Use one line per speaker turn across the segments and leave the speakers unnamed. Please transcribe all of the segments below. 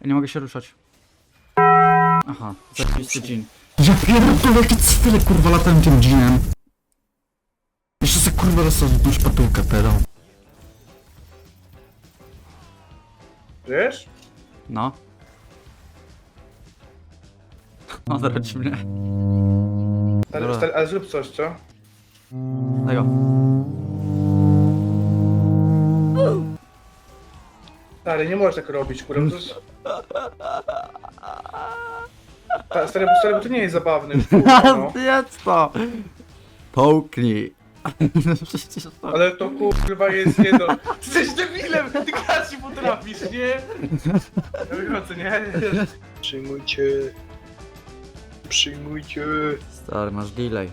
Ja nie mogę się ruszać. Aha, zajebisty dżin.
Ja pierdolę, jakie cwile kurwa latałem tym dżinem. Jeszcze se kurwa dostał tą szpatułkę, pedał.
Wiesz?
No. Odręcz mnie. Dobra.
Ale zrób coś, co?
Tego.
Stary, nie możesz tak robić, kurwa. To jest... Stary, bo to nie jest zabawne. Kurwa, no.
Zjedz to! Połknij. No przecież to...
Ale to kurwa jest jedno. Ty jesteś debilem, ty grać nie potrafisz, nie? Ja wychodzę, nie?
Przyjmujcie. Przyjmujcie.
Stary, masz delay.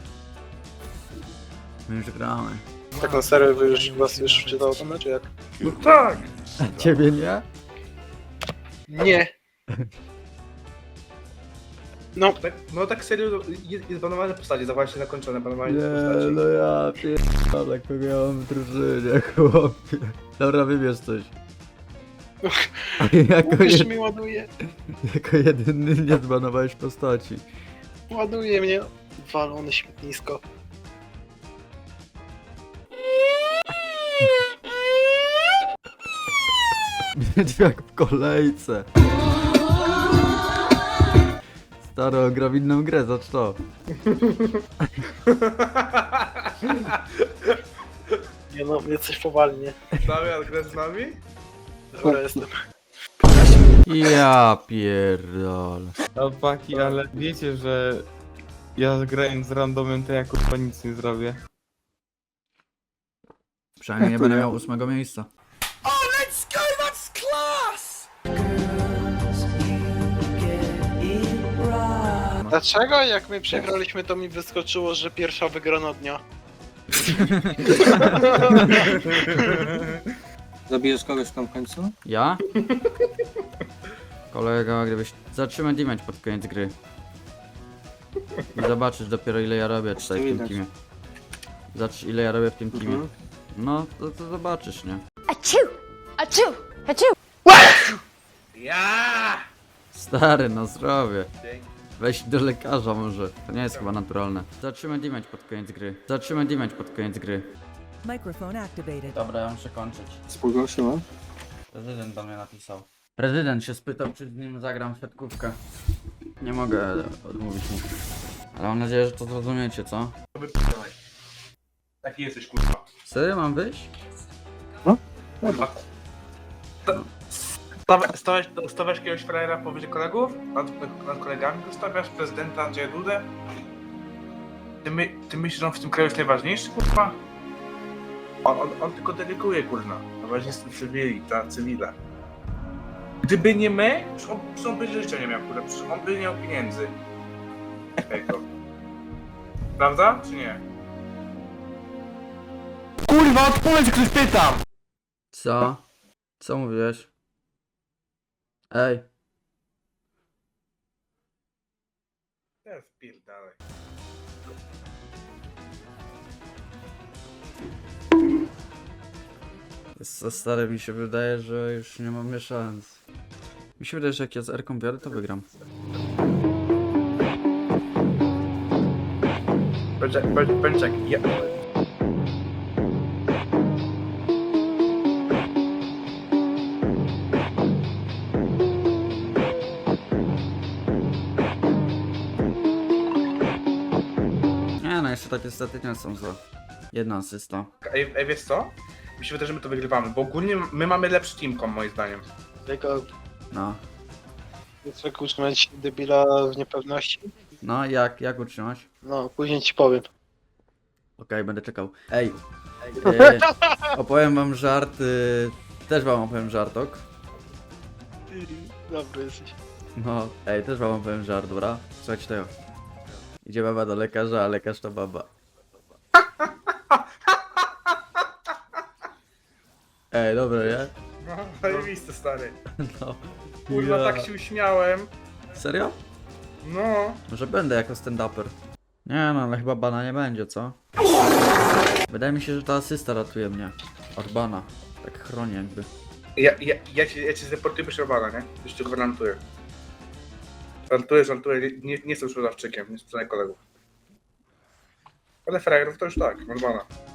My już gramy.
Tak na serio, wy już was już wczytało to czy jak?
No tak!
Ciebie nie?
Nie. No,
No tak serio, jest banowane postacie, za właśnie zakończone banowanie postaci.
no ja pierdolę, kogo ja mam w drużynie, chłopie. Dobra, wybierz coś.
mówisz mi ładuje.
Jako jedyny nie zbanowałeś postaci.
Ładuje mnie. Walone śmietnisko.
Niedźwiak w kolejce. Staro, gra w inną grę, zacz to.
Nie no, mnie coś powalnie.
Damian, grasz z nami?
Dobra, jestem.
Ja pierdolę.
Chłopaki, ale wiecie, że ja grając z randomem to ja kurwa nic nie zrobię.
Przynajmniej nie będę miał 8 miejsca.
Dlaczego jak my przegraliśmy, to mi wyskoczyło, że pierwsza wygrana dnia?
Zabijesz kogoś tam w końcu?
Ja? Kolega, gdybyś... Zatrzymaj damage pod koniec gry. I zobaczysz dopiero ile ja robię tutaj w tym
widać.
teamie. Zobacz ile ja robię w tym teamie.
Mhm.
No, to zobaczysz, nie?
Achoo! Achoo! Achoo!
Ja!
Stary, no zdrowie. Weź do lekarza może. To nie jest chyba naturalne. Zatrzymaj damage pod koniec gry. Zatrzymaj damage pod koniec gry.
Microphone activated.
Dobra, ja muszę kończyć.
Spółgłosiła?
Prezydent do mnie napisał. Prezydent się spytał, czy z nim zagram w siatkówkę. Nie mogę odmówić mu. Ale mam nadzieję, że to zrozumiecie, co?
Taki jesteś, kurwa.
Serio, mam wyjść?
Stawiasz jakiegoś frajera powyżej kolegów? Nad kolegami go stawiasz? Prezydenta Andrzeja Dudę? Ty myślisz, że on w tym kraju jest najważniejszy, kurwa? On tylko deleguje, kurwa. Najważniejsze cywile. Gdyby nie my, przecież on by życia nie miał, kurwa. Przecież on by nie miał pieniędzy. Tego. Prawda, czy nie?
Kurwa, odpowiedz, ktoś pytam!
Co? Co mówiłeś? Ej.
Ja wpierdalaj.
Za stary mi się wydaje, że już nie mamy szans. Mi się wydaje, że jak ja z R-ką biorę, to wygram.
Bądź ja...
Nie no, jeszcze takie staty nie są złe. Jedna asysta.
Ej, wiesz co? Mi się wydaje, że my to wygrywamy, bo ogólnie my mamy lepszy teamkom, moim zdaniem.
Tylko
No.
jak utrzymać debila w niepewności?
No, jak utrzymać?
No, później ci powiem.
Okej, będę czekał. Ej, opowiem wam żart, też wam opowiem żartok.
Dobry jesteś.
No, ej, też wam opowiem żart, dobra? Słuchajcie tego. Idzie baba do lekarza, a lekarz to baba. Ej, dobra, nie?
No, zajebiste, stary.
No.
Kurwa,
Ja.
tak się uśmiałem.
Serio?
No.
Może będę jako stand-upper. Nie no, ale chyba bana nie będzie, co? Wydaje mi się, że ta asysta ratuje mnie. Od bana. Tak chroni jakby.
Ja cię zdeportuję bez Rowana, nie? Już ci gwarantuję. Żartuję, nie jestem sprzedawczykiem, nie sprzedaję kolegów. Ale frajerów to już tak, normalna.